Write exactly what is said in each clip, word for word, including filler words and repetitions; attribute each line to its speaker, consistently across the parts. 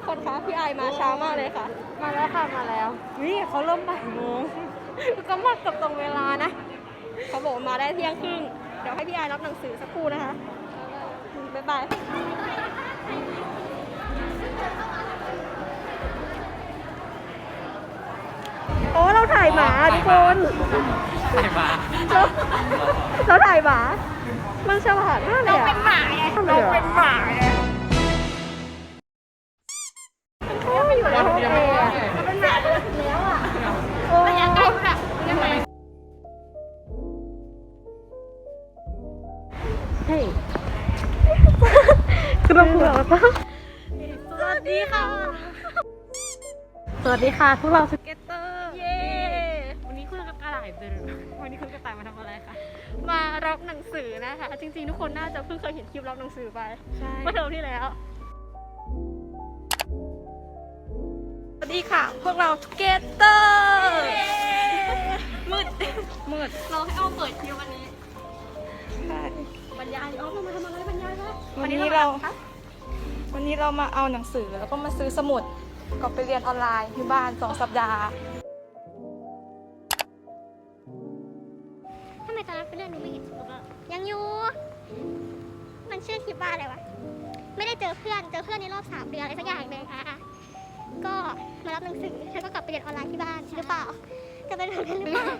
Speaker 1: กคนคะพี่ไอมาช้ามากเลยค่ะ
Speaker 2: มาแล้วค่ะมาแล้วนี่เขาเริ่มบ่ายโมงก็มาเกือบตรงเวลานะ
Speaker 1: เขาบอกมาได้เที่ยงครึ่งเดี๋ยวให้พี่ไอรับหนังสือสักครู่นะคะบ๊ายบายโอ้เราถ่ายหมาทุกคน
Speaker 3: ถ่ายหมา
Speaker 1: เราถ่ายหมามันฉลาดมากเลยอะเราเป็นหมาไง
Speaker 2: เราเป็นหมาไง
Speaker 1: ไม่อยู่ในห้องแอร์เราเป็นหมาแล้วอ่ะโอ้ยยังไงแบบยังไงเฮ้ยคือเราเผื่อปะ
Speaker 2: สวัสดีค่ะสวัสดีค่ะพวกเราสเก็ตเตอร์
Speaker 1: เย้
Speaker 2: วันนี้คุณกระต่ายเป็นวันนี้คุณกระต่ายมาทำอะไรคะ
Speaker 1: มารับหนังสือนะคะจริงๆทุกคนน่าจะเพิ่งเคยเห็นคลิปรับหนังสือไป
Speaker 2: ใช่
Speaker 1: เมื่อเทอมที่แล้ว
Speaker 2: สวัสดีค่ะพวกเราสเก็ตเตอร์มืดมืด
Speaker 1: เราให้อ้อมเปิดคลิปวันนี้
Speaker 2: ใช่
Speaker 1: บรรยายอ้อมมาทำอะไรบรรยายคะ
Speaker 2: วันนี้เราวันนี้เรามาเอาหนังสือแล้วก็มาซื้อสมุดก็ไปเรียนออนไลน์ที่บ้านสองสัปดาห์
Speaker 4: ทำไมตอนนั้นเป็นเรื่องนี้ไม่เห็นคลิปอ่ะยังอยู่ มันชื่อคลิปว่าอะไรวะ ไม่ได้เจอเพื่อน เจอเพื่อนในรอบสามเดือนอะไรสักอย่างหนึ่งอ่ะก็มารับหนังสือแล้วก็กลับไปเรียนออนไลน์ที่บ้านหรือเปล่า จะเป็นแบบนั้นหรือเปล่า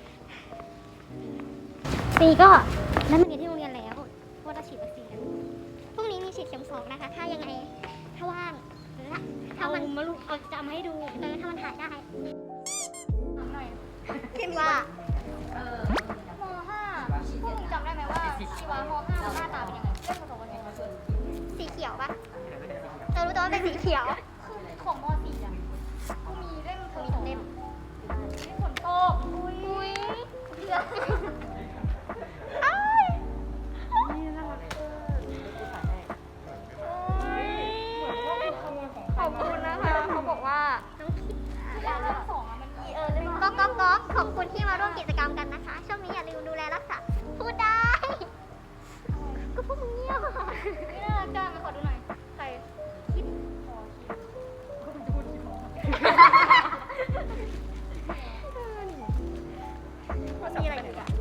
Speaker 4: ปีก็แล้วมาเรียนที่โรงเรียนแล้วเพราะว่าเราฉีดวัคซีนพรุ่งนี้มีฉีดเข็มสองนะคะ ถ้ายังไง ถ้าว่างหรือถ้ามันมาลูกเอาจะมาให้ดูเออถ้ามันถ่ายได้คิดว่าเออมห้าพวกมึงจำได้ไหมว่าชีวะมห้ามันหน้าตาเป็นยังไงเล่นผสมกันยังไงสีเขียวปะเรารู้ตัวว่าเป็นสีเขียวของมสี่อ่ะก็มีเล่มมีสองเล่มเล่มฝนตกอุ้ยอุ้ยเดือดอ้าย
Speaker 1: ขอบคุณนะคะเขาบอกว่า
Speaker 4: ก็ก็ก็ขอบคุณที่มาร่วมกิจกรรมกันนะคะ ช่วงนี้อย่าลืมดูแลรักษาพูดได้ ก็พวกมึงเงียบอ่ะนี่น่ารักจังมาขอดูหน่อยใครคิดขอคิดมีอะไรอีกอ่ะ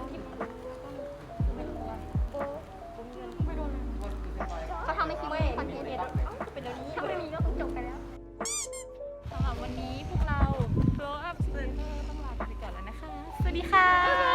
Speaker 4: เขาทำให้คิดว่าคอนเทนต์เนี่ยเป็นเรื่องนี้ถ้าไม่มีก็คงจบไปแล้ว
Speaker 2: สำหรับวันนี้พวกเรา Flow Up Center ต้องลาไปก่อนแล้วนะคะสวัสดีค่ะ